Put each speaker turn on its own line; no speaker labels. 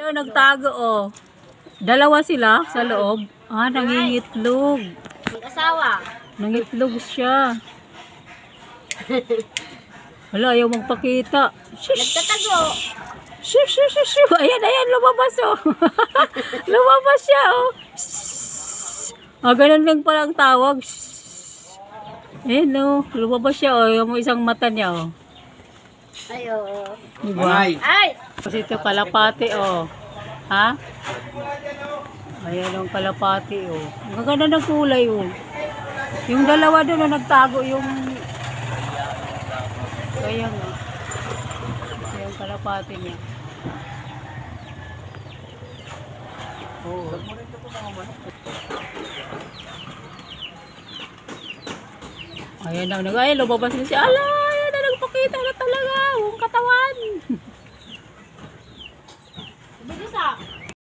Ito, nagtago, oh. Dalawa sila sa loob. Ah, nangingitlog.
Mag-asawa.
Nangitlog siya. Wala, ayaw magpakita.
Nagtatago.
Shoo, shoo, shoo, shoo. Ayan, ayan, lumabas, oh. Lumabas siya, oh. Ah, ganun lang pala ang tawag. Ayan, oh. Lumabas siya, oh. Yung isang mata niya, oh.
Ayo.
Diba?
Ay!
Kasi ito, kalapati, oh. Ha? Ayan, ang kalapati, oh. Ang ganda ng kulay, oh. Yung dalawa doon, oh, nagtago yung... Ayan, oh. Yung kalapati niya. Oh. Ayan na, ay, lumabas na siya. Ala, ayan na, nagpakita na talaga. Yung katawan.
Bilis ah.